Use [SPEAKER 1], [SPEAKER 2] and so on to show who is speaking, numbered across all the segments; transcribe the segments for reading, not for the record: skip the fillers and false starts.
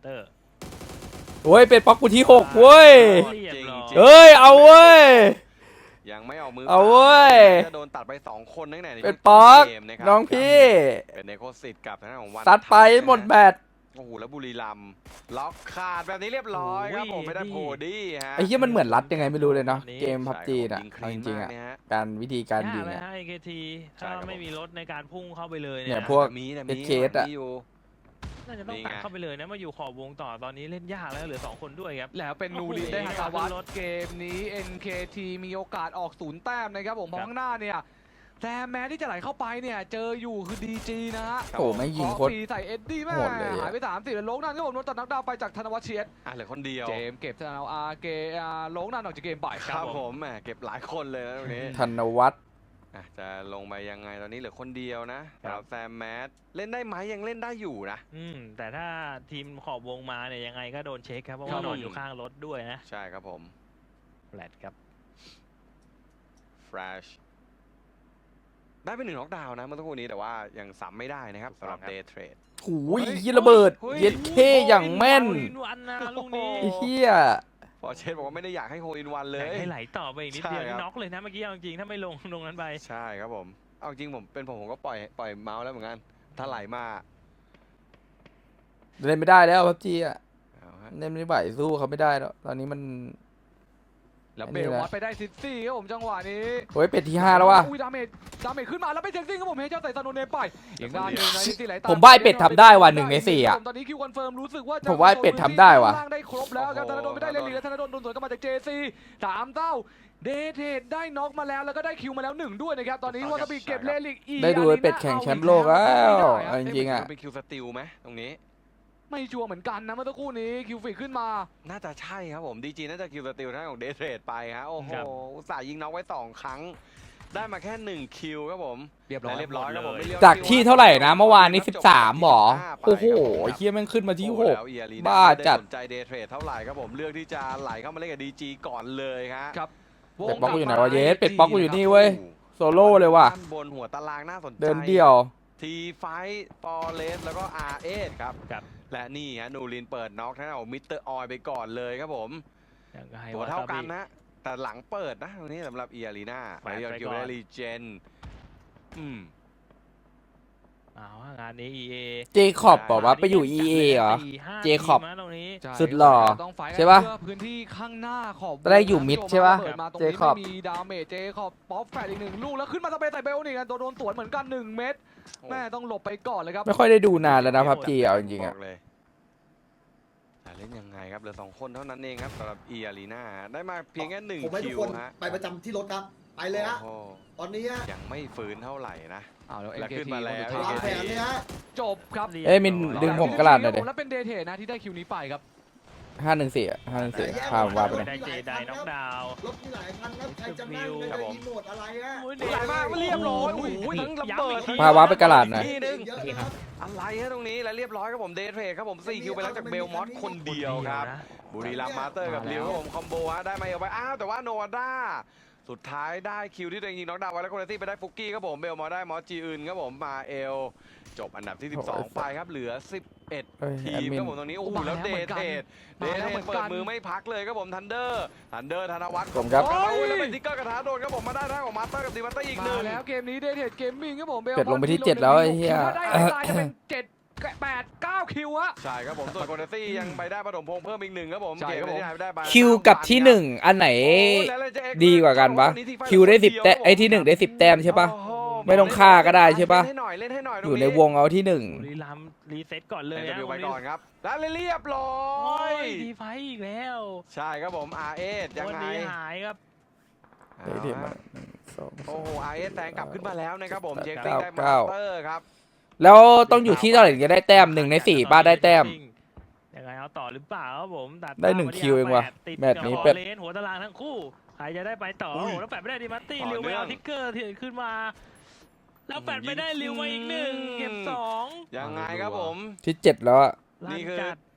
[SPEAKER 1] เตอร์
[SPEAKER 2] โอ้ยเป็นป๊อกกูที่6เว้ย
[SPEAKER 1] เรียบร้อย
[SPEAKER 2] เอ้ยเอาเว้ย
[SPEAKER 3] ยังไม่ออกมือ
[SPEAKER 2] เอาเว้ย
[SPEAKER 3] จะโดนตัดไป2คนตั้งแต่ใน
[SPEAKER 2] เป็นป๊อก
[SPEAKER 3] เกมนะครับ
[SPEAKER 2] น้องพี่
[SPEAKER 3] เป็นเนโคสิตกับทางด้านของวัน
[SPEAKER 2] ซัดไปหมดแบต
[SPEAKER 3] โอ้โหแล้วบุรีรัมย์ล็อกขาดแบบนี้เรียบร้อยครับผมไม่ได้โพดี้ฮะ
[SPEAKER 2] ไอ้เหี้ยมันเหมือนรัดยังไงไม่รู้เลยเนาะเกมพับจีน่ะ
[SPEAKER 3] ยิงค
[SPEAKER 2] เอา
[SPEAKER 3] ลี
[SPEAKER 2] จ
[SPEAKER 3] น
[SPEAKER 2] ริงๆ
[SPEAKER 3] มาก
[SPEAKER 2] อ่ะ
[SPEAKER 3] เนี่ยฮะ
[SPEAKER 2] การวิธีการยิง
[SPEAKER 1] ยากเลย
[SPEAKER 2] อ่ะ
[SPEAKER 1] ฮะ AKT
[SPEAKER 3] ใช่
[SPEAKER 1] ถ้า
[SPEAKER 3] ครับ
[SPEAKER 1] ไม่มีรถในการพุ่งเข้าไปเลย
[SPEAKER 2] เนี่
[SPEAKER 1] เนี่ย ย
[SPEAKER 2] พวก
[SPEAKER 3] มีนะ
[SPEAKER 2] เอ็
[SPEAKER 3] มี
[SPEAKER 2] ดเคสอะ
[SPEAKER 3] มีอยู่
[SPEAKER 1] น่าจะต้อง
[SPEAKER 3] นี่ไง
[SPEAKER 1] ตัดเข้าไปเลยนะมาอยู่ขอบวงต่อตอนนี้เล่นยากแล้วเหลือ2คนด้วยครับ
[SPEAKER 4] แล้วเป็นนูรินได้ฮัตาวัตเกมนี้ NKT มีโอกาสออก0 แต้มนะครับผมเพราะข้างหน้าเนี่ยแต่แม้ที่จะไหลเข้าไปเนี่ยเจออยู่คือ DG นะฮะ
[SPEAKER 2] โอ้ไม่ยิงโคตร
[SPEAKER 4] ปีใส่เอ็ดดี้แม่
[SPEAKER 2] โหดเลยอะ
[SPEAKER 4] หายไป30แล้วโลงนั่นก็ผมโดนตัดนักดาวไปจากธนวัฒน์เชียด
[SPEAKER 3] เหลือคนเดียว
[SPEAKER 4] เจมส์เก็บธนเอาอาเกโลงนั่นออกจากเกมไป
[SPEAKER 3] ครับผมแหมเก็บหลายคนเลยนะตรงนี้
[SPEAKER 2] ธนวัฒน์
[SPEAKER 3] จะลงไปยังไงตอนนี้เหลือคนเดียวนะสำหรับแซมแมทเล่นได้ไหมยังเล่นได้อยู่นะ
[SPEAKER 1] แต่ถ้าทีมขอบวงมาเนี่ยยังไงก็โดนเช็คครับเพราะ
[SPEAKER 3] ครั
[SPEAKER 1] ว่า
[SPEAKER 3] บ
[SPEAKER 1] นอนอยู่ข้างรถด้วยนะ
[SPEAKER 3] ใช่ครับผม
[SPEAKER 1] แฟลตครับ
[SPEAKER 3] แฟลชได้ไป1น็อกดาวน์นะเมื่อสักครู่นี้แต่ว่ายังซ้ำไม่ได้นะครับสำหรับเดย์เทรด
[SPEAKER 2] หูยเหี้ยระเบิดเย็ดเคอย่างแม่น
[SPEAKER 1] วันนะลูกนี้
[SPEAKER 2] ไอ้เหี้ย
[SPEAKER 3] พอเชนบอกว่าไม่ได้อยากให้โฮอินวันเล
[SPEAKER 1] อยาก
[SPEAKER 3] ย
[SPEAKER 1] ให้ไหลต่อไปอีกนิดเดียว
[SPEAKER 3] ใช่ครับ
[SPEAKER 1] น็อกเลยนะเมื่อกี้เอาจริงถ้าไม่ลงตรงนั้นไป
[SPEAKER 3] ใช่ครับผมเอาจริงผมเป็นผมก็ปล่อยเมาส์แล้วเหมือนกันถ้าไหลมา
[SPEAKER 2] เล่นไม่ได้แล้วพับจีอ่ะ
[SPEAKER 3] เอาฮะ
[SPEAKER 2] เล่นไม่ไหวสู้เขาไม่ได้แล้วตอนนี้มัน
[SPEAKER 4] แล้ว
[SPEAKER 2] อัน
[SPEAKER 4] เบ
[SPEAKER 2] นี้
[SPEAKER 4] ล
[SPEAKER 2] นะ
[SPEAKER 4] วัดไปได้ซิตี้ครับผมจังหวะนี้
[SPEAKER 2] โอ้ยเป็ดที่5แล้วว่ะ
[SPEAKER 4] อุ้ยดาเมจขึ้นมาแล้วไปเซ็กซิ่งครับผมเฮเจ้าใส่ซานโนเนไปอีกด้านหนึ่งนะซิตี้ไหลตาม
[SPEAKER 2] ผมว่าไอ้เป็ดทำได้ว่ะ1 ใน 4อ่ะ
[SPEAKER 4] ตอนนี้คิวคอนเฟิร์มรู้สึกว่าจะ
[SPEAKER 2] ผมว่าไอ้เป็ดทำได้ว่ะ
[SPEAKER 4] ล่างได้ครบแล้วครับธนาโดนไม่ได้เลนลีและธนาโดนโดนสวนกลับมาจาก JC 3 เต้าเดเทดได้น็อกมาแล้วแล้วก็ได้คิวมาแล้ว1ด้วยนะครับตอนนี้วาซาบิเก็บเลลิกอี
[SPEAKER 2] ได้ดูไอ้เป็ดแข่งแชมป์โลกแล้วเอาจริงๆอ่ะ
[SPEAKER 3] เป็นคิวสติลไหมตรงนี้
[SPEAKER 4] ไม่ชัวร์เหมือนกันนะเมื่อสักครู่นี้คิวฟิกขึ้นมา
[SPEAKER 3] น่าจะใช่ครับผมดีจีน่าจะคิวสติลท่านของเดย์เทรดไปฮะโอ้โห
[SPEAKER 1] ครับ
[SPEAKER 3] อุตส่าห์ยิงน็อกไว้2 ครั้ง ได้มาแค่1คิวครับผม
[SPEAKER 4] เรียบร้อย
[SPEAKER 3] และเรียบร้อยครับผมไม่เรีย
[SPEAKER 2] จากที่เท่าไหร่นะเมื่อวานนี้
[SPEAKER 3] จบ
[SPEAKER 2] 13หรอ
[SPEAKER 3] ไป
[SPEAKER 2] โอ้โห
[SPEAKER 3] ครับผม
[SPEAKER 2] ไอ้เหี้ยแม่งขึ้นมาที่
[SPEAKER 3] โอ้โหแล้ว EARENA
[SPEAKER 2] บ้าจัด
[SPEAKER 3] ไม่ไสนใจเดย์เทรดเท่าไหร่ครับผมเลือกที่จะไหลเข้ามาเล่นกับดีจีก่อนเลยครับ
[SPEAKER 4] ครับ
[SPEAKER 2] เป็ดป๊อกกูอยู่ไหนวะเยสเป็ดป๊อกกูอยู่นี่เว้ยโซโล่เลยว่ะ
[SPEAKER 3] ด้านบนหัวตารางน่าสนใจ
[SPEAKER 2] เดินเดี่ยว
[SPEAKER 3] ทีไฟฟอร์เรสแล้วก็อาร์เอสครับ
[SPEAKER 1] ครับ
[SPEAKER 3] และนี่ฮะนูรินเปิดน็อกท่านของมิสเตอร์ออยไปก่อนเลยครับผม
[SPEAKER 1] ยังไง
[SPEAKER 3] ตัวเท่ากันนะ แต่หลังเปิดนะตรงนี้สำหรับเอียรีนา
[SPEAKER 1] แขวน
[SPEAKER 3] เรีย
[SPEAKER 1] ไป
[SPEAKER 3] กิว
[SPEAKER 1] ก่อน
[SPEAKER 3] ได้รีเจน
[SPEAKER 1] เอาฮะงานนี้ EA
[SPEAKER 2] เจคอบบอกว่าไปอยู่ EA เหรอ เจคอบ
[SPEAKER 1] ทีมนะตรงนี้
[SPEAKER 2] สุดหล่อ
[SPEAKER 4] ต้องไฟท์กัน
[SPEAKER 2] ใช่ปะ
[SPEAKER 4] เพื่อพื้นที่ข้างหน้าขอบ
[SPEAKER 2] ได้อยู่มิดใช่ปะ
[SPEAKER 4] เปิดมาตรง
[SPEAKER 2] เจ
[SPEAKER 4] นี้
[SPEAKER 2] คอบ
[SPEAKER 4] ไม่มีดาเมจเจคอบป๊อปแฟดอีก1 ลูกแล้วขึ้นมาสเปรย์ใส่เบลนี่กันโดนสวนเหมือนกัน1 เม็ดแม่ต้องหลบไปก่อนเลยครับ
[SPEAKER 2] ไม่ค่อยได้ดูนานแล้วนะพับจีเอาจริงๆ
[SPEAKER 3] บ
[SPEAKER 2] อ่ะ
[SPEAKER 3] อกเลยแต่เล่นยังไงครับเหลือ2 คนเท่านั้นเองครับสำหรับเอียรีนาได้มาเพียงแค่
[SPEAKER 5] ผมให้
[SPEAKER 3] 1
[SPEAKER 5] ทุ
[SPEAKER 3] คิ
[SPEAKER 5] ก
[SPEAKER 3] ว
[SPEAKER 5] คน
[SPEAKER 3] ฮะ
[SPEAKER 5] ไปประจำที่รถครับ ไปเลยฮะ
[SPEAKER 3] โอ้โห
[SPEAKER 5] ตอนนี้ฮะ
[SPEAKER 3] ยังไม่ฟื้นเท่าไหร่นะ
[SPEAKER 4] อ้าวแล้ว
[SPEAKER 3] แล้ว
[SPEAKER 4] NKT
[SPEAKER 3] ขึ้นมาแล้ว
[SPEAKER 4] คนสุด
[SPEAKER 5] วาง
[SPEAKER 4] ท้าย
[SPEAKER 5] แผนเลยฮะ
[SPEAKER 4] จบครับ
[SPEAKER 2] เอ้ยมินดึงผมกระดาษหน่อยดิ
[SPEAKER 4] แล้วเป็นเดเทนะที่ได้คิวนี้ไปครับ
[SPEAKER 2] 514อ่ะ514พาผมว่าไปเลย
[SPEAKER 1] ได้เจไดน็อกดาวน์
[SPEAKER 5] รถมีหลายคันครับ ใครจะนั่ง
[SPEAKER 3] ครับผม
[SPEAKER 5] รีโมทอะไรฮะ
[SPEAKER 3] ไหลมากเรียบร้อยโอ้โหทั้งระเบิดทั้ง
[SPEAKER 2] พาว้าไปกระดาษหน่อย
[SPEAKER 3] ทีนึง
[SPEAKER 5] เยอะนะครับ
[SPEAKER 3] อะไรฮะตรงนี้และเรียบร้อยครับผมเดย์เทรดครับผม4 คิวไปแล้วจากเบลมอสคนเดียวครับ บุรีรัมย์มาสเตอร์กับลิวครับผมคอมโบฮะได้มาเอาไปอ้าวแต่ว่าโนวาด้าสุดท้ายได้คิวที่ตัวเองยิงน็อกดาวน์ไว้แล้วโคเนตี้ไปได้ฟุกกี้ครับผมเบลมอได้มอสจีอื่นครับผมมาเอลจบอันดับที่ 12 ไปครับเหลือ 11
[SPEAKER 2] เอ้ย
[SPEAKER 3] ที
[SPEAKER 2] แอด
[SPEAKER 3] ม
[SPEAKER 2] มิ
[SPEAKER 3] คน รับผมตรงนี้โอ้โหแล้วเดทเทรดเปิดมือไม่พักเลยครับผมทันเดอร์ธนวัฒน์
[SPEAKER 2] ผมครับ
[SPEAKER 3] โอ้ยแล้วเป็นทิกเกอร์กระทะโดนครับผมมาได้ทางของมาสเตอร์กับดีวัตเตอร์อีกห
[SPEAKER 4] มา
[SPEAKER 3] นึ่ง
[SPEAKER 4] แล้วเกมนี้เดเทเกมมิ่งครับผมเบล
[SPEAKER 2] เป็ดลงไปที่7แล้วไอ้เหี้ย
[SPEAKER 4] ได้ตายจะเป็น7 8 9 คิวอะ
[SPEAKER 3] ใช่ครับผมส่วนโคเนตี้ยังไปได้ปฐมพงษ์เพิ่มอีก1ครับผม
[SPEAKER 4] ใช่
[SPEAKER 3] เกม
[SPEAKER 4] ครับผม
[SPEAKER 3] ที่ได้ไป
[SPEAKER 2] คิวกับที่ 1 อันไหน ดีกว่ากันปะคิวได้10 แต้มไอ้ที่ 1 ได้ 10 แต้มใช่ปะ
[SPEAKER 3] โอ้โห
[SPEAKER 2] ไม่ต้องฆ่าก็ได้ใช่ปะ
[SPEAKER 3] เล่นให้หน่อยเล่นให้หน่อย
[SPEAKER 2] อยู่ในวงเอาที่
[SPEAKER 1] บุรีรัมย์รีเซ็ตก่อนเลย
[SPEAKER 3] เลย
[SPEAKER 1] นะ
[SPEAKER 3] นะไปก่อนครับแล้วเรียบร้อ
[SPEAKER 1] โอ้
[SPEAKER 3] ย
[SPEAKER 1] ยดีไฟอีกแล้ว
[SPEAKER 3] ใช่ครับผม RS ยัง
[SPEAKER 1] วัน
[SPEAKER 3] ไง
[SPEAKER 1] นี้หายครับ
[SPEAKER 2] 1ได้เทียบมา2
[SPEAKER 3] โอ้โห RS แซงกลับขึ้นมาแล้วนะครับผม
[SPEAKER 2] 9
[SPEAKER 3] เช็คติ้งได้มาสเตอร์ครับ
[SPEAKER 2] แล้วต้องอยู่ที่เท่าไหร่ถึงจะได้แต้ม1 ใน 4ป้าได้แต้ม
[SPEAKER 1] ยังไงเอาต่อหรือเปล่าครับผมตัด
[SPEAKER 2] ได้1
[SPEAKER 1] มาที่
[SPEAKER 2] คิวเองว่ะ
[SPEAKER 1] 8ติด
[SPEAKER 2] แมตช์นี้
[SPEAKER 1] กับ
[SPEAKER 2] เป็ด
[SPEAKER 1] เลนหัวตารางทั้งคู่ใครจะได้ไปต่อโอ้โหแล้วแปดไม่ได้ดิมัตตี้ริวไปเอาทิกเกอร์ที่ขึ้นมา แล้วแปดไม่ได้ริวมาอีก1เก็บ2
[SPEAKER 3] ยังไงครับผม
[SPEAKER 2] ที่ 7 แล้วอะ
[SPEAKER 3] นี่คือ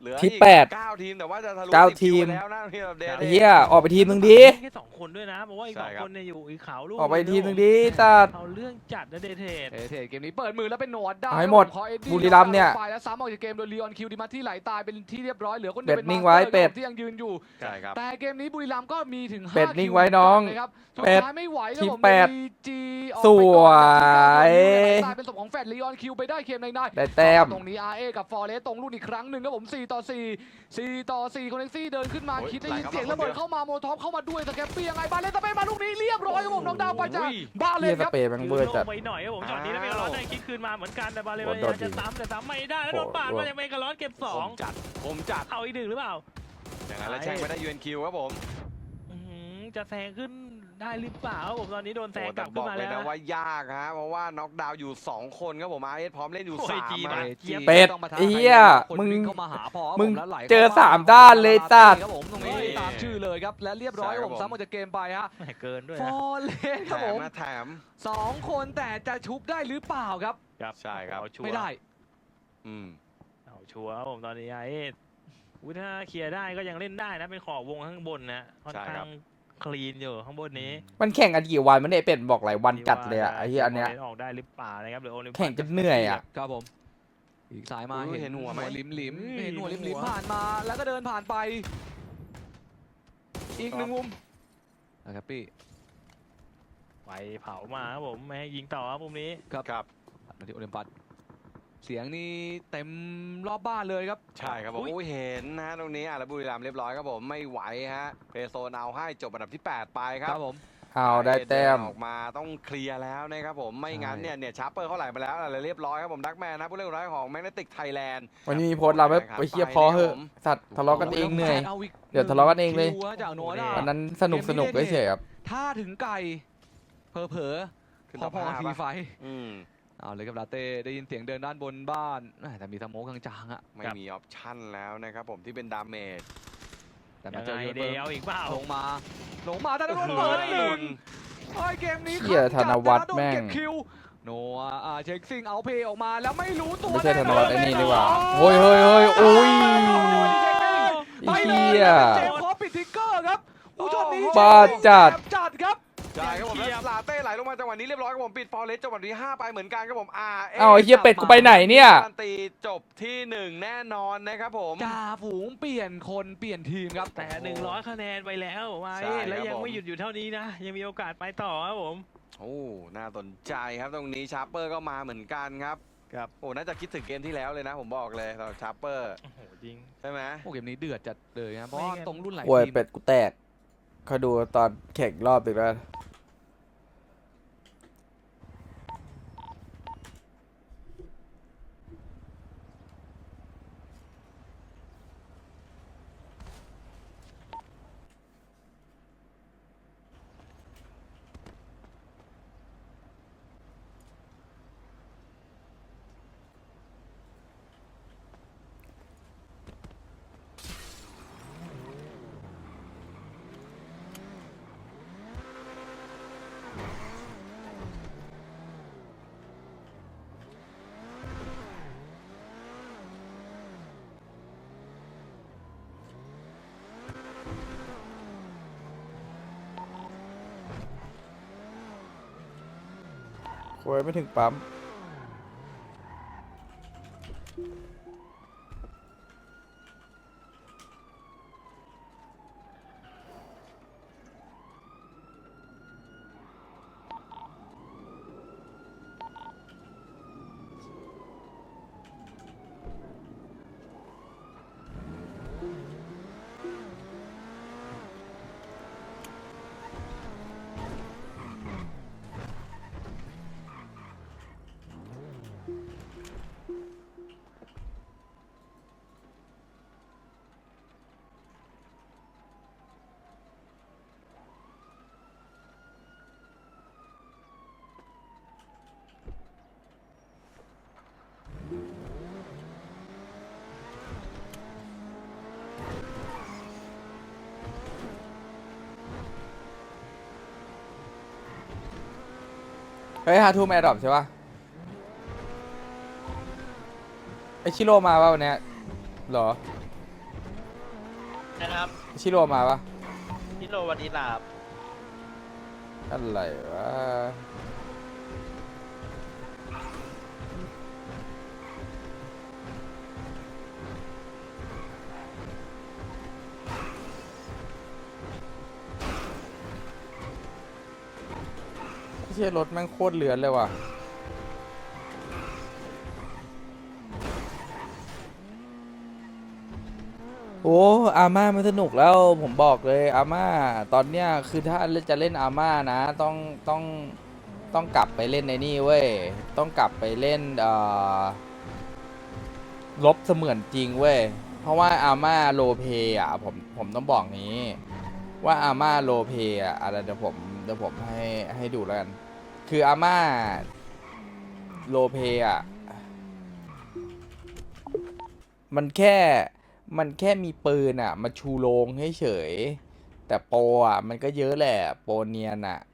[SPEAKER 3] เหลือ
[SPEAKER 2] ที่
[SPEAKER 3] อีก
[SPEAKER 2] 8
[SPEAKER 3] 9 ทีมแต่ว่าจะทะลุ
[SPEAKER 2] 9
[SPEAKER 3] 10
[SPEAKER 2] ทีม
[SPEAKER 3] ไปแล้วนะที่เราเดท
[SPEAKER 2] ไอ้เหี้ยออกไปทีมนึงดี
[SPEAKER 1] แค่2 คนด้วยนะเพราะว่าอีก
[SPEAKER 3] ใช่
[SPEAKER 1] 2
[SPEAKER 3] ครับ
[SPEAKER 1] คนเนี่ยอยู่อีกขาวลูก
[SPEAKER 2] ออกไป
[SPEAKER 1] เลย
[SPEAKER 2] ทีมนึงดีจัด
[SPEAKER 1] เอาเรื่องจัดนะเดทเทด
[SPEAKER 4] เทเกมนี้เปิดมือแล้วเป็นโนวาด้า
[SPEAKER 2] เอาให้หมด
[SPEAKER 4] พอเอ็ดดี้
[SPEAKER 2] บุรีรัมย์เนี่ย
[SPEAKER 4] ไปแล้วซ้ำออกจากเกมโดยลีออนคิวดิมาที่ไหลตายเป็นที่เรียบร้อยเหลือคนเดี
[SPEAKER 2] เป็
[SPEAKER 4] ยว
[SPEAKER 2] ด
[SPEAKER 4] เป็น
[SPEAKER 2] นิ่ง
[SPEAKER 4] มา
[SPEAKER 2] ไว้
[SPEAKER 4] สเตอร์
[SPEAKER 2] เป็ด
[SPEAKER 4] ที่ยังยืนอยู่
[SPEAKER 3] ใช่ครับ
[SPEAKER 4] แต่เกมนี้บุรีรัมย์ก็มีถึง5
[SPEAKER 2] เป็ดนิ่งไว้
[SPEAKER 4] คิ
[SPEAKER 2] น้อง
[SPEAKER 4] นะครับสุด
[SPEAKER 2] เป็ด
[SPEAKER 4] ท้ายไม่ไหวครับ
[SPEAKER 2] ที่
[SPEAKER 4] ผม
[SPEAKER 2] แปด
[SPEAKER 4] จี
[SPEAKER 2] สวย
[SPEAKER 4] ตายเป็นศพของแฟดลีออนคิวไปได้เกมใน
[SPEAKER 2] ได้แต้ม
[SPEAKER 4] ตรงนี้ RA กับฟอร์เรสตรงรุ่นอีกครั้งหนึ่งครับผม4-4 คนเน็กซี่เดินขึ้นมา
[SPEAKER 3] โอ้ย
[SPEAKER 4] คิดได้ยิน
[SPEAKER 3] ไหลเข้ามา
[SPEAKER 4] เสียงระเบิด
[SPEAKER 3] คนเดียว
[SPEAKER 4] เข้ามาโมโทอฟเข้ามาด้วยสแกปปี้ยังไงบาเลนสเปนมาลูกนี้เรียบร้อยครับผมน้องดาวไปจาก
[SPEAKER 3] โอ้ย
[SPEAKER 4] บาเล
[SPEAKER 2] เหี้ย
[SPEAKER 4] น
[SPEAKER 2] ส
[SPEAKER 4] ครับ
[SPEAKER 2] เปรย์แมันเบอร์จัด
[SPEAKER 1] ไปหน่อยครับผมช็อตนี้แล้วเมกาลอสได้คิดคืนมาเหมือนกันแต่บาเล
[SPEAKER 2] โอ้
[SPEAKER 1] น
[SPEAKER 2] โด
[SPEAKER 1] ยั
[SPEAKER 2] น
[SPEAKER 1] งจะ
[SPEAKER 2] ยิง
[SPEAKER 1] ซ้ำแต่ซ้ำไม่ได้แล้วโดนปาดมาจากเมกาลอสเก็บ
[SPEAKER 3] ผม
[SPEAKER 1] 2
[SPEAKER 3] จัดผมจัด
[SPEAKER 1] เอาอีก 1หรือเปล่า
[SPEAKER 3] อย่างนั้นแล้วแช่งไม่ได้ UNQ ครับผม
[SPEAKER 1] อื้อหือจะแซงขึ้นได้หรือเปล่าครับผมตอนนี้โดนแซง
[SPEAKER 3] โอ้
[SPEAKER 1] ก
[SPEAKER 3] แต่
[SPEAKER 1] ลับ
[SPEAKER 3] บ
[SPEAKER 1] ขึ้
[SPEAKER 3] อน ก
[SPEAKER 1] มา
[SPEAKER 3] เล
[SPEAKER 1] แล้
[SPEAKER 3] ยว นะว่ายากฮะเพราะว่าน็อกดาวน์อยู่ 2 คนครับผม RS พร้อมเล่นอยู่
[SPEAKER 1] โอ้ย
[SPEAKER 3] 3
[SPEAKER 1] จี
[SPEAKER 3] มา
[SPEAKER 1] มา
[SPEAKER 2] เป็ด
[SPEAKER 4] ต้องมาท้า
[SPEAKER 2] ไอ้เหี้ย
[SPEAKER 4] คน
[SPEAKER 2] มึง
[SPEAKER 4] วิ่เข้ามาหาพอ
[SPEAKER 2] มึง
[SPEAKER 4] แล้วไหล
[SPEAKER 2] เจอ
[SPEAKER 4] ข้
[SPEAKER 2] สามด้านเลยสัตว์
[SPEAKER 4] ครับผมตรงนี้ตามชื่อเลยครับและเรียบร้อยครับผมซ้ำออกจากเกมไปฮะ
[SPEAKER 1] แหม่เกินด้วย
[SPEAKER 4] ฟ
[SPEAKER 1] นะ
[SPEAKER 4] อร์เรสค
[SPEAKER 3] แถ
[SPEAKER 4] รับผม ม
[SPEAKER 3] นะแถม
[SPEAKER 4] 2 คนแต่จะชุบได้หรือเปล่าครับ
[SPEAKER 3] ใช่ครับ
[SPEAKER 1] เอาชัว
[SPEAKER 4] ไม่
[SPEAKER 1] ร์
[SPEAKER 4] ได้
[SPEAKER 3] อืม
[SPEAKER 1] เอาชัวร์ครับผมตอนนี้ไอ้ถ้าเคลียร์ได้ก็ยังเล่นได้นะเป็นขอบวงข้างบนนะค่อน
[SPEAKER 3] ใช่
[SPEAKER 1] ข้า
[SPEAKER 3] ครั
[SPEAKER 1] ง
[SPEAKER 3] บ
[SPEAKER 1] คลีนอยู่ข้างบนนี้
[SPEAKER 2] มันแข่งกันกี่วันมันเนี่ยเป็ดบอกหลายวันจัดเลยอะไอ้เหี้ยอันเนี้ย
[SPEAKER 1] ออกได้หรือเปล่านะครับหรือโอลิมปิก
[SPEAKER 2] แข่งจนเหนื่อยอะ
[SPEAKER 4] ครับผมอีกสายมา
[SPEAKER 3] อุ้ยเห็นหัวไหม
[SPEAKER 4] ลิมลิม
[SPEAKER 1] อุ้ย
[SPEAKER 4] เห็นหัวลิม
[SPEAKER 1] หั
[SPEAKER 4] ลิม
[SPEAKER 1] ว
[SPEAKER 4] ผ่านมาแล้วก็เดินผ่านไป อีกหนึ่งมุมนะครับพี่
[SPEAKER 1] ไปเผามาครับผมไม่ให้ยิงต่อครับมุมนี้
[SPEAKER 3] ครับ
[SPEAKER 4] มาที่โอลิมปัสเสียงนี่เต็มรอบบ้านเลยครับ
[SPEAKER 3] ใช่ครับผม
[SPEAKER 1] อุ๊ย
[SPEAKER 3] อุ้ยเห็นนะตรงนี้แล้วบุรีรัมย์เรียบร้อยครับผมไม่ไหวฮะเพโซนเอาให้จบอันดับที่ 8 ไปครับ
[SPEAKER 4] ผม
[SPEAKER 2] เอาได้แต้ม
[SPEAKER 3] ออกมาต้องเคลียร์แล้วนะครับผมไม่งั้น
[SPEAKER 4] ใช่
[SPEAKER 3] เนี่ยชาร์เปอร์เขาไหลมาแล้วอะไรเรียบร้อยครับผมดักแมนนะผู้เล่นคนแรกของแมกเนติกไทยแลนด์
[SPEAKER 2] วันนี้มีโพสต์เราไปเชียร์พอเหอะสัตว์ทะเลาะกันเองเหนื่อย เดี๋ยวทะเลาะกันเองเลย
[SPEAKER 4] คิวฮะจากโนด้า
[SPEAKER 2] วันนั้นสนุกเฉยๆครับ
[SPEAKER 4] ถ้าถึงไก่เผลอ
[SPEAKER 3] ขึ้น
[SPEAKER 4] ๆ
[SPEAKER 3] ต่อ
[SPEAKER 4] พอ
[SPEAKER 3] ผ้า
[SPEAKER 4] ๆที
[SPEAKER 3] ปะ
[SPEAKER 4] ไฟ
[SPEAKER 3] อืม
[SPEAKER 4] เอาเลยครับลาเต้ได้ยินเสียงเดินด้านบนบ้านแต่มีสโมกจางๆอะ
[SPEAKER 3] ไม่มีออปชั่นแล้วนะครับผมที่เป็นดาเมจ
[SPEAKER 4] แต่
[SPEAKER 1] ยั
[SPEAKER 4] มาง เจอ
[SPEAKER 1] ไง
[SPEAKER 4] ยู
[SPEAKER 1] เด
[SPEAKER 4] เบิร์
[SPEAKER 1] เอาอีกเปล่า
[SPEAKER 4] ลงมาแต่โดนเปิดหนึ่งโอ้ยเกมนี้
[SPEAKER 2] เหี้ยธนวัฒน์แม่ง
[SPEAKER 4] โดนเก็บคิวโนอาเช็คซิงเอาเพย์ออกมาแล้วไม่รู้ตัว
[SPEAKER 2] ไม่ใช่ธนวัฒน์ไอ้นี่นี่หว่า
[SPEAKER 4] โอ้
[SPEAKER 2] โอ้ยเฮ้ยอุ้ย
[SPEAKER 4] ไป
[SPEAKER 2] ไอ้
[SPEAKER 4] เล
[SPEAKER 2] เหี้
[SPEAKER 4] ย
[SPEAKER 2] ย
[SPEAKER 4] เจมส์พอปิดทิกเกอร์ครับผู้ชมนี้
[SPEAKER 2] บ้าจัด
[SPEAKER 4] จัดครับ
[SPEAKER 3] ใช่ครับผมแล้วลาเต้ไหลลงมาจังหวะนี้เรียบร้อยครับผมปิดฟอร์เรสจังหวะที่5ไปเหมือนกันครับผม
[SPEAKER 2] เอาไอ้เหี้ยเป็ดกูไปไหนเนี่ย
[SPEAKER 3] การันตีจบที่ 1 แน่นอนนะครับผม
[SPEAKER 4] จ่าฝูงเปลี่ยนคนเปลี่ยนทีมครับ
[SPEAKER 1] แต่100 คะแนนไปแล้วมา
[SPEAKER 3] ใช่ครับ
[SPEAKER 1] แล้วยัง
[SPEAKER 3] ผม
[SPEAKER 1] ไม่หยุดอยู่เท่านี้นะ ยังมีโอกาสไปต่อครับผม
[SPEAKER 3] โอ้น่าสนใจครับตรงนี้ชาร์เปอร์ก็มาเหมือนกันครับ
[SPEAKER 1] ครับ
[SPEAKER 3] โอ้น่าจะคิดถึงเกมที่แล้วเลยนะผมบอกเลยสำหรับชาร์เปอร์
[SPEAKER 1] โอ้โหจริง
[SPEAKER 3] ใช่ไหม
[SPEAKER 4] โอ้เกมนี้เดือดจัดเลยนะเพราะว่า
[SPEAKER 1] ไม่งั้น
[SPEAKER 4] ตรงรุ่นหลาย
[SPEAKER 2] โวย
[SPEAKER 4] ทีม
[SPEAKER 2] เป็ดกูแตกคอยดูตอนแข่งรอบตึกแล้ว โวยไม่ถึงปั๊มเฮ้ย5 ทุ่มแอร์ดรอปใช่ปะไอชิโร่มาป่ะวันเนี้ยเหรอ
[SPEAKER 6] นะครับ
[SPEAKER 2] ชิโร่มาปะ
[SPEAKER 6] พี่โรวันนี้ลาบ
[SPEAKER 2] อะไรวะเชี่ยรถแม่งโคตรเลือนเลยว่ะ โอ้อาม่ามันสนุกแล้วผมบอกเลยอาม่าตอนเนี้ยคือถ้าจะเล่นอาม่านะต้องกลับไปเล่นในนี่เว้ยต้องกลับไปเล่นลบเสมือนจริงเว้ยเพราะว่าอาม่าโลเพอ่ะผมต้องบอกงี้ ว่าอาม่าโลเพอ่ะอะไรเดี๋ยวผมให้ดูแล้วกันคืออาม่าโลเพอ่ะมันแค่มีปืนอ่ะมาชูโรงให้เฉยแต่โปรอ่ะมันก็เยอะแหละโปรเนียนอ่ะ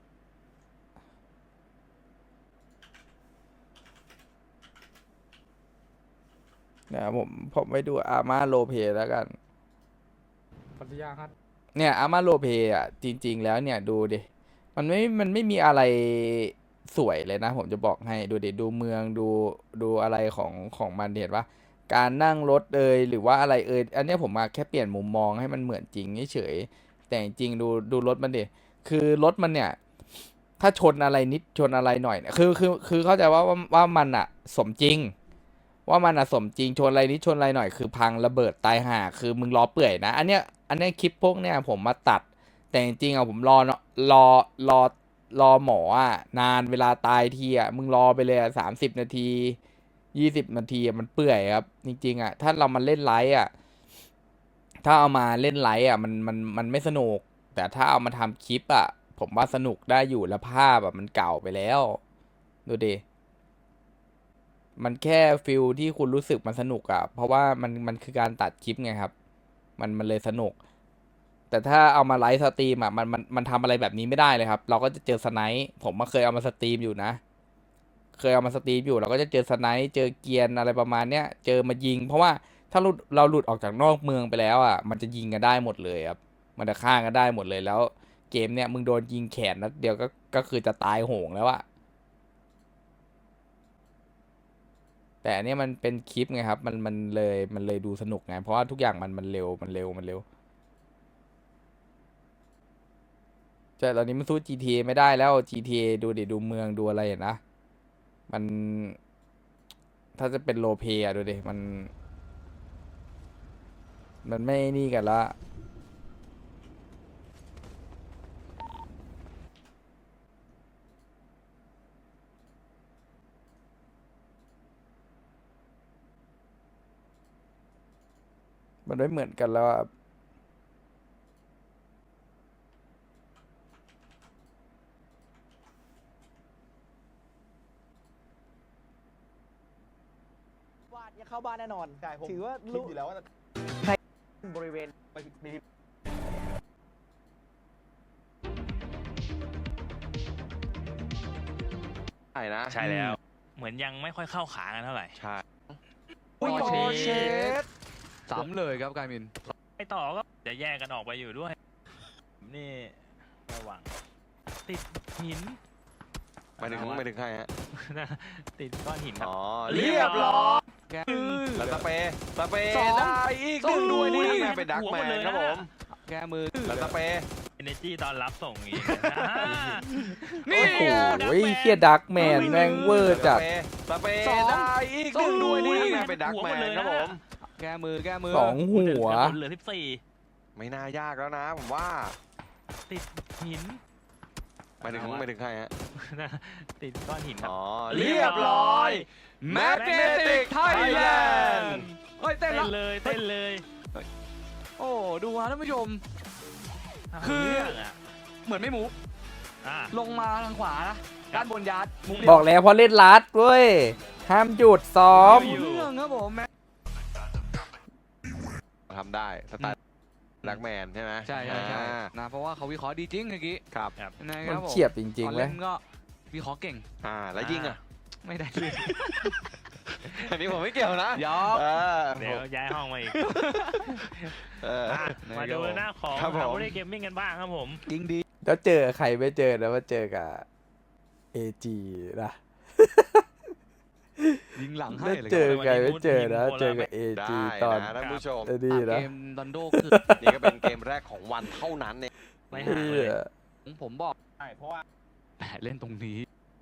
[SPEAKER 2] เนี่ยผมไปดูอาม่าโลเพแล้วกัน
[SPEAKER 4] ปัญญาครับ
[SPEAKER 2] เนี่ยอาม่าโลเพอ่ะจริงๆแล้วเนี่ยดูดิมันไม่มีอะไรสวยเลยนะผมจะบอกให้ดูดิดูเมืองดูอะไรของมันเห็นปะการนั่งรถหรือว่าอะไรอันเนี้ยผมมาแค่เปลี่ยนมุมมองให้มันเหมือนจริงเฉยแต่จริงดูรถมันดิคือรถมันเนี่ยถ้าชนอะไรนิดชนอะไรหน่อยเนี่ยคือเข้าใจว่ามันอะสมจริงว่ามันอะสมจริงชนอะไรนิดชนอะไรหน่อยคือพังระเบิดตายห่าคือมึงล้อเปื่อยนะอันเนี้ยคลิปพวกเนี้ยผมมาตัดแต่จริงๆอะผมรอหมออะนานเวลาตายทีอะมึงรอไปเลย30 นาที20 นาทีมันเปื่อยครับจริงๆอะถ้าเรามาเล่นไลฟ์อะถ้าเอามาเล่นไลฟ์อะมันไม่สนุกแต่ถ้าเอามาทำคลิปอะผมว่าสนุกได้อยู่แล้วภาพอะมันเก่าไปแล้วดูดิมันแค่ฟิลที่คุณรู้สึกมันสนุกอะเพราะว่ามันคือการตัดคลิปไงครับมันเลยสนุกแต่ถ้าเอามาไลฟ์สตรีมอ่ะมันทำอะไรแบบนี้ไม่ได้เลยครับเราก็จะเจอสไนป์ผมมาเคยเอามาสตรีมอยู่นะเคยเอามาสตรีมอยู่เราก็จะเจอสไนป์เจอเกียร์อะไรประมาณเนี้ยเจอมายิงเพราะว่าถ้าเราหลุดออกจากนอกเมืองไปแล้วอ่ะมันจะยิงกันได้หมดเลยครับมันจะฆ่ากันได้หมดเลยแล้วเกมเนี้ยมึงโดนยิงแขนนัดเดียวก็คือจะตายโหงแล้วอะแต่อันเนี้ยมันเป็นคลิปไงครับมันเลยดูสนุกไงเพราะว่าทุกอย่างมันเร็วแต่ตอนนี้มันสู้ GTA ไม่ได้แล้ว GTA ดูดิดูเมืองดูอะไรเห็นนะมันถ้าจะเป็นโลเ y อะดูดิมันไม่นี่กันละมันไม่เหมือนกันแล้วอะ
[SPEAKER 7] วาดจะเข้าบ้านแน่นอน
[SPEAKER 5] ใช่ผม
[SPEAKER 7] ถือว่า
[SPEAKER 5] คิดอยู่แล้วว่า
[SPEAKER 7] บริเวณ
[SPEAKER 5] มี
[SPEAKER 3] ใช่นะ
[SPEAKER 1] ใช่แล้ว เหมือนยังไม่ค่อยเข้าขากันเท่าไหร่
[SPEAKER 3] ใช่
[SPEAKER 4] อุ้ย
[SPEAKER 7] ปอร์เช่
[SPEAKER 4] ซ้ำเลยครับการมิน
[SPEAKER 1] ไปต่อก็จะแยกกันออกไปอยู่ด้วย นี่ระวังติดหิน
[SPEAKER 3] ไม่ถึงใครฮะ
[SPEAKER 1] ติดก้อนหินครับ
[SPEAKER 3] อ๋อเรียบร้อย
[SPEAKER 4] แก
[SPEAKER 3] แล้วสเปย์
[SPEAKER 4] สอง
[SPEAKER 3] ได้อีกหนึ่งด้วยนี่ไงเป็นดักแมนครับผม
[SPEAKER 4] แกมือ
[SPEAKER 3] แล้วสเปย์
[SPEAKER 1] Energy ตอนรับส่งอีก
[SPEAKER 4] นี่
[SPEAKER 2] โอ้โหเฮียดักแมนแม่งเวอร์จัด
[SPEAKER 3] สเปย์ได้อีกหนึ่งด้วยนี่ไงเป็นดักแมนครับผม
[SPEAKER 4] แกมือ
[SPEAKER 2] สองหัว
[SPEAKER 1] เหลือ
[SPEAKER 3] ไม่น่ายากแล้วนะผมว่า
[SPEAKER 1] 14 ติดหิน
[SPEAKER 3] ไม่ถึงใครฮะ
[SPEAKER 1] ติดก้อนหินครับ
[SPEAKER 3] อ๋อเรียบร้อย
[SPEAKER 4] Magnetic Thailand เฮ้ยเต้
[SPEAKER 1] เต้
[SPEAKER 4] น
[SPEAKER 1] น
[SPEAKER 4] ละ
[SPEAKER 1] เลยเต้นเลย
[SPEAKER 4] โอ้ดูฮะท่านผู้ชม
[SPEAKER 1] เา
[SPEAKER 4] คือ
[SPEAKER 1] เรื่องอะ
[SPEAKER 4] เหมือนไม่มูฟ
[SPEAKER 1] อ่ะ
[SPEAKER 4] ลงมาทางขวานะด้านบนยาร์ดมุม
[SPEAKER 2] บอกแล้วพอเล่นลัดเว้ยห้ามหยุดซ้อม
[SPEAKER 4] เรื่องครับผม
[SPEAKER 3] ทำได้สไตล์ดักแมนใช่ไหม
[SPEAKER 4] ใช่
[SPEAKER 3] อ่า
[SPEAKER 4] นะเพราะว่าเขาวิเคราะห์ดีจริงเมื่อกี้
[SPEAKER 3] ครับ
[SPEAKER 4] นะค
[SPEAKER 2] มั
[SPEAKER 4] รั
[SPEAKER 2] น
[SPEAKER 4] บผม
[SPEAKER 2] เฉียบจริง
[SPEAKER 4] ตอน
[SPEAKER 2] ๆเล
[SPEAKER 4] เล่
[SPEAKER 2] ย
[SPEAKER 4] นก็วิเคราะห์เก่ง
[SPEAKER 3] แล้วยิงอ่ะ
[SPEAKER 4] ไม่ได้เลย
[SPEAKER 3] อันนี้ผมไม่เกี่ยวนะ
[SPEAKER 4] ยอม
[SPEAKER 1] เดี๋ยวย้ายห้องมาอีก
[SPEAKER 3] เออ
[SPEAKER 1] อ่ะมาดูหน้าของ
[SPEAKER 3] ครับผม
[SPEAKER 1] ฮาร์บรีเกมมิ่งกันบ้างครับผม
[SPEAKER 4] จริงดี
[SPEAKER 2] แล้วเจอใครไม่เจอนะว่าเจอกับ AG นะ
[SPEAKER 4] ยิงหลังให้
[SPEAKER 2] แล้ว
[SPEAKER 4] เลย
[SPEAKER 2] เจ
[SPEAKER 4] ครับ
[SPEAKER 2] อใครไม่เจอนะเจอกับ AG
[SPEAKER 3] ได้
[SPEAKER 2] ตอน
[SPEAKER 3] นะท่านผู้ชม
[SPEAKER 2] ไอ้นี่
[SPEAKER 4] เก
[SPEAKER 2] นะ
[SPEAKER 4] มดันโดคือ
[SPEAKER 3] นี่ก็เป็นเกมแรกของวันเท่านั้นเอง
[SPEAKER 1] ไม่ห่างเลย
[SPEAKER 4] ผมบอก
[SPEAKER 6] ใช่เพราะว่า
[SPEAKER 4] แหมเล่นตรงนี้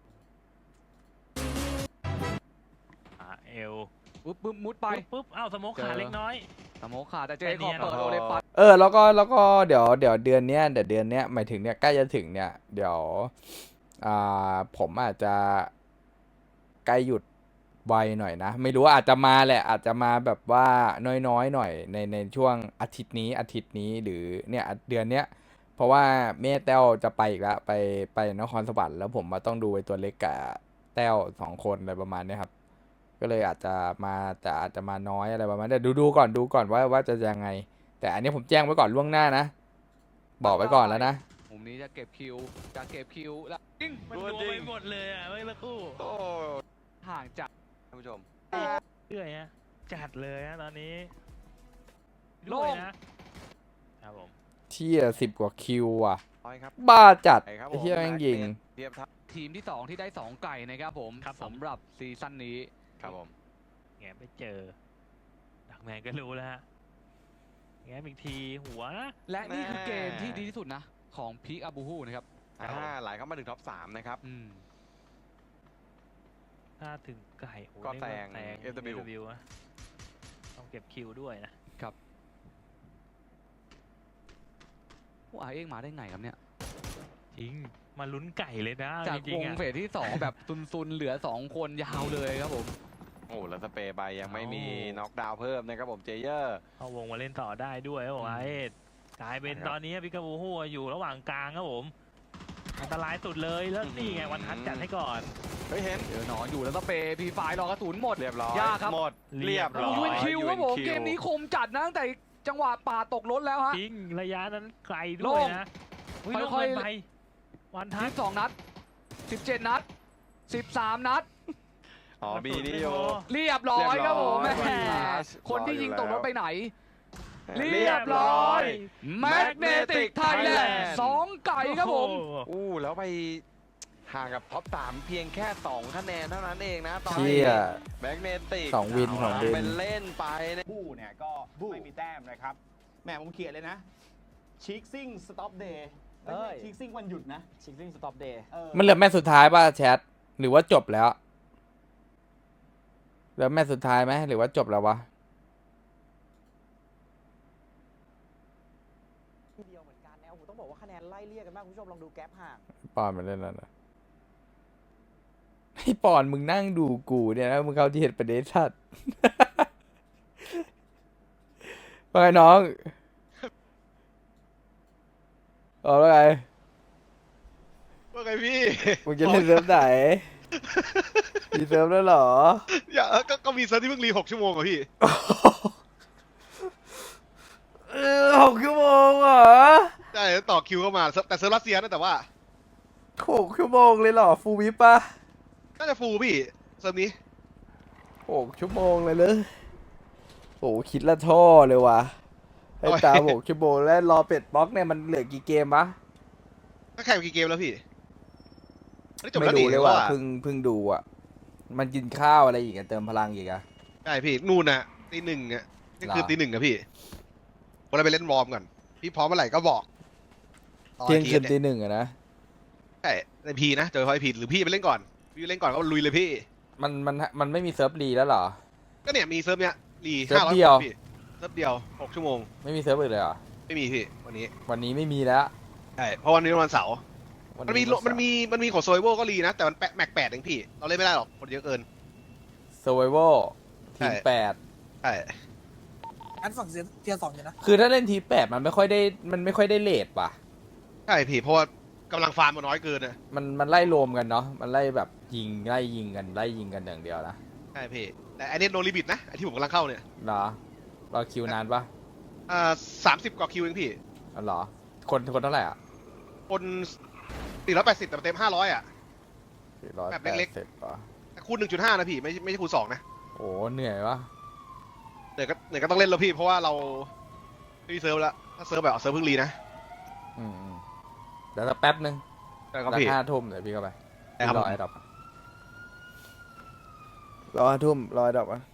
[SPEAKER 1] เอล
[SPEAKER 4] ปุ๊บมุดไป
[SPEAKER 1] ปุ๊บเอ้าสโมกขาดเล็กน้อย
[SPEAKER 4] สโมคขาแต่เจ
[SPEAKER 1] แต่
[SPEAKER 4] ขอ
[SPEAKER 1] เนี่ย
[SPEAKER 4] เปิดโอเลปัส
[SPEAKER 2] แล้วก็เดี๋ยวเดือนเนี้ยหมายถึงเนี่ยใกล้จะถึงเนี่ยเดี๋ยวผมอาจจะใกล้หยุดไวหน่อยนะ ไม่รู้ว่าอาจจะมาแหละอาจจะมาแบบว่าน้อยหน่อยในช่วงอาทิตย์นี้หรือเนี่ยเดือนเนี้ยเพราะว่าแม่แต้วจะไปอีกแล้วไปนครสวรรค์แล้วผมมาต้องดูไอ้ตัวเล็กกับแต้ว2 คนอะไรประมาณเนี้ยครับ ก็เลยอาจจะมาน้อยอะไรประมาณนี้แต่ดูก่อนว่าจะยังไง แต่อันนี้ผมแจ้งไว้ก่อนล่วงหน้านะ บอกไว้ก่อนแล้วนะ
[SPEAKER 4] มุมนี้จะเก็บคิวแล้วยิง
[SPEAKER 1] มันรวมไปหมดเลยอ่ะไม่ละคู่
[SPEAKER 3] โอ้
[SPEAKER 4] ห่างจาก
[SPEAKER 3] ท่านผู้ชม
[SPEAKER 1] เรื่อยฮะจัดเลยฮะตอนนี้
[SPEAKER 4] โล่ง
[SPEAKER 1] ด้วยนะครับผม
[SPEAKER 2] เที่ย10 กว่าคิวอ่ะ
[SPEAKER 3] ร้อยครับ
[SPEAKER 2] บ้าจัด
[SPEAKER 3] ไปครับ
[SPEAKER 2] ไอ้เที่ยแม่งยิง
[SPEAKER 3] เทียบทัพ
[SPEAKER 4] ทีมที่ 2 ที่ได้ 2 ไก่นะครับผมสำหรับซีซั่นนี้
[SPEAKER 3] ครับผม
[SPEAKER 1] แงไปเจอ ดักแมนก็รู้แล้วฮะแงอีกทีหัวนะ
[SPEAKER 4] และนี่คือเกมที่ดีที่สุดนะ ของพีคอาบูฮูนะครับ
[SPEAKER 3] ไหลเข้ามาถึงท็อป 3 นะครับ
[SPEAKER 1] ถ้าถึงไก่โอ้โห
[SPEAKER 3] ก็
[SPEAKER 1] นี่
[SPEAKER 3] แซง
[SPEAKER 1] FW นะต้องเก็บคิวด้วยนะ
[SPEAKER 4] ว่าเองมาได้ไงครับเนี่ย
[SPEAKER 1] จริงมาลุ้นไก่เลยนะ
[SPEAKER 4] จาก
[SPEAKER 1] จริ
[SPEAKER 4] ว
[SPEAKER 1] ง
[SPEAKER 4] ง
[SPEAKER 1] ๆอ่ะ
[SPEAKER 4] เฟสที่ 2 แบบซุนๆ เหลือ 2 คนยาวเลยครับผม
[SPEAKER 3] โอ้แล้วสเปรย์ไปยังไม่มี
[SPEAKER 1] เอา
[SPEAKER 3] น็อกดาวน์เพิ่มนะครับผมเจเยอร์
[SPEAKER 1] เข้าวงมาเล่นต่อได้ด้วยครับผมไอ้กลายเป็น
[SPEAKER 3] ครับ
[SPEAKER 1] ตอนนี้พิกาบูฮูอยู่ระหว่างกลางครับผมอันตรายสุดเลยแล้วนี่ไงวันทัดจัดให้ก่อน
[SPEAKER 3] เฮ้ยเห็น
[SPEAKER 4] เจอหนอนอยู่แล้วสเปรย์พีไฟรอกระสุนหมด
[SPEAKER 3] เรียบร้อย
[SPEAKER 4] ยากครับ
[SPEAKER 3] หมด
[SPEAKER 1] เรี
[SPEAKER 3] เรี
[SPEAKER 1] ย
[SPEAKER 3] ย
[SPEAKER 1] บบ ร้
[SPEAKER 3] ร้
[SPEAKER 1] อ
[SPEAKER 3] อย
[SPEAKER 4] ยูเอ็นคิวครับผม
[SPEAKER 3] UNQ
[SPEAKER 4] เกมนี้คมจัดนะตั้งแต่จังหวะป่าตกรถแล้วฮะ
[SPEAKER 1] จริงระยะนั้นไกล
[SPEAKER 4] โล่
[SPEAKER 1] ด้วย
[SPEAKER 4] ง
[SPEAKER 1] นะ
[SPEAKER 4] ค่อยๆ
[SPEAKER 1] ๆไปวันทัด
[SPEAKER 4] 12 นัด 17 นัด 13 นัด
[SPEAKER 3] อ๋อบีนี่อยู่
[SPEAKER 4] เรียบร้อยครับผม
[SPEAKER 3] เรี
[SPEAKER 4] แม่
[SPEAKER 3] ยบร้อย
[SPEAKER 4] คนที่ยิงตกรถไปไหน เรี
[SPEAKER 3] เรี
[SPEAKER 4] ย
[SPEAKER 3] ย
[SPEAKER 4] บบ ร้
[SPEAKER 3] ร้
[SPEAKER 4] อ
[SPEAKER 3] อย ย
[SPEAKER 4] แมกเนติกไทยแลนด์2 ไก่ครับผม
[SPEAKER 1] โอ้โห
[SPEAKER 3] อู้แล้วไปห่างกับท็อป 3 เพียงแค่ 2 คะแนนเท่านั้นเองนะตอน
[SPEAKER 2] เที่
[SPEAKER 3] นี้
[SPEAKER 2] ย
[SPEAKER 3] แบ็กเนติก
[SPEAKER 2] 2 วินของวิน
[SPEAKER 3] เป็นเล่นไปนะ
[SPEAKER 6] ผู้เนี่ยก็ไม่มีแต้มนะครับแหมผมเขียนเลยนะชิคซิ่งสต็อปเดย์ไม่ใช่ชิคซิ่งวันหยุดนะ
[SPEAKER 7] ชิงซิ่งสต็อปเดย์
[SPEAKER 2] มันเหลือแมตช์สุดท้ายป่ะแชทหรือว่าจบแล้วเหลือแมตช์สุดท้ายไหมหรือว่าจบแล้ววะ
[SPEAKER 7] ทีเดียวเหมือนกันนะโอ้โหต้องบอกว่าคะแนนไล่เลี่ยกันมากคุณผู้ชมลองดูแกปห่าง
[SPEAKER 2] ปอนมาเล่นแล้วนะให้ปอนมึงนั่งดูกูเนี่ยนะมึงเข้าที่เหตุประเด็นชัด ว่าไงน้องแล้วไง
[SPEAKER 8] ว่าไงพี่
[SPEAKER 2] มึงจะเล่นเซิร์ฟไหน มีเซิร์ฟแล้วเหรอ
[SPEAKER 8] อย่าก็มีเซิร์ฟที่เพิ่งรี6 ชั่วโมงอะพี่
[SPEAKER 2] 6 ชั่วโมงเหรอ
[SPEAKER 8] ได้ต่อคิวเข้ามาแต่เซิร์ฟรัสเซียนะแต่ว่า
[SPEAKER 2] 6 ชั่วโมงเลยเหรอฟูลวิปปะ
[SPEAKER 8] น่าจะฟูลพี่เซิร์ฟนี้
[SPEAKER 2] 6 ชั่วโมงเลยเลยโอ้คิดละท่อเลยว่ะไอ้ตา 6 ชั่วโมงแล้วรอเป็ดบล็อกเนี่ยมันเหลือกี่เกมวะ
[SPEAKER 8] ก็แข่งกี่เกมแล้วพี่จบ
[SPEAKER 2] ไม่
[SPEAKER 8] แล้ว
[SPEAKER 2] ดู
[SPEAKER 8] นี่
[SPEAKER 2] เลยว่ะเพิ่งดูอ่ะ มันกินข้าวอะไรอีกอะเติมพลังอีกอะ
[SPEAKER 8] ใช่พี่นู่นน่ะตี 1อ่ะนี่คือ
[SPEAKER 2] หรอ
[SPEAKER 8] ตี 1อะพี่วันเราไปเล่นวอร์มก่อนพี่พร้อมเมื่อไหร่ก็บอกตอน
[SPEAKER 2] เที่ยงคืน
[SPEAKER 8] เย
[SPEAKER 2] ตี 1อะนะ
[SPEAKER 8] ใช่ในพีนะเจอพอยพีหรือพี่ไปเล่นก่อนพี่เล่นก่อนก็ลุยเลยพี่
[SPEAKER 2] มันไม่มีเซิร์ฟรีแล้วเหรอ
[SPEAKER 8] ก็เนี่ยมีเซิร์ฟเนี้ยรี
[SPEAKER 2] เซิร์ฟ
[SPEAKER 8] 500
[SPEAKER 2] เดียว
[SPEAKER 8] พี่เซิร์ฟเดียว6 ชั่วโมง
[SPEAKER 2] ไม่มีเซิร์ฟอื่นเลยเหรอ
[SPEAKER 8] ไม่มีพี่วันนี้
[SPEAKER 2] วันนี้ไม่มีแล้ว
[SPEAKER 8] ใช่เพราะวันนี้วันเสาร์
[SPEAKER 2] วั
[SPEAKER 8] มันมีของโซยโวก็รีนะ แต่มันแม็ก8เองพี่ เราเล่นไม่ได้หรอกคนเยอะเกิน
[SPEAKER 2] เซอร์ไวโวทีม
[SPEAKER 8] ใช่
[SPEAKER 2] 8
[SPEAKER 8] ใช่
[SPEAKER 5] อันฝั่งเทียร์2อยู่นะ
[SPEAKER 2] คือถ้าเล่นทีม8มันไม่ค่อยได้เลทป่ะ
[SPEAKER 8] ใช่พี่เพราะว่ากำลังฟาร์มมันน้อยเกินนะ
[SPEAKER 2] มันไล่รวมกันเนาะมันไล่แบบไล่ยิงกันอย่างเดียวนะ
[SPEAKER 8] ใช่พี่แต่อันนี้โนลิบิตนะไอที่ผมกำลังเข้าเนี่ย
[SPEAKER 2] เหรอรอคิวนานปะ
[SPEAKER 8] 30 กว่าคิวเองพี่
[SPEAKER 2] อ๋อเหรอคนเท่าไหร่อ่ะ
[SPEAKER 8] คน480แต่เต็ม500อ่ะ แบบเล็ก
[SPEAKER 2] 480ป่ะ
[SPEAKER 8] แต่คูณ 1.5 นะพี่ไม่ใช่คูณ2นะ
[SPEAKER 2] โอ้โอ้เหนื่อยวะ
[SPEAKER 8] เหนื่อยก็ต้องเล่นแล้วพี่เพราะว่าเราไม่มีเซิร์ฟแล้วถ้าเซิร์ฟแบบเซิร์ฟเพิ่งรีนะ
[SPEAKER 2] อืมเดี๋ยวสักแป๊บนึง
[SPEAKER 8] ได้ครับ
[SPEAKER 2] สัก
[SPEAKER 8] พี่
[SPEAKER 2] 5 ทุ่มเดี๋ยวพี่เข้าไป
[SPEAKER 8] ได้ครับ
[SPEAKER 2] ร
[SPEAKER 8] ผ
[SPEAKER 2] อ
[SPEAKER 8] ม
[SPEAKER 2] ไอ้ดอกรอ5 ทุ่มรอไอ้ดอกอ่ะ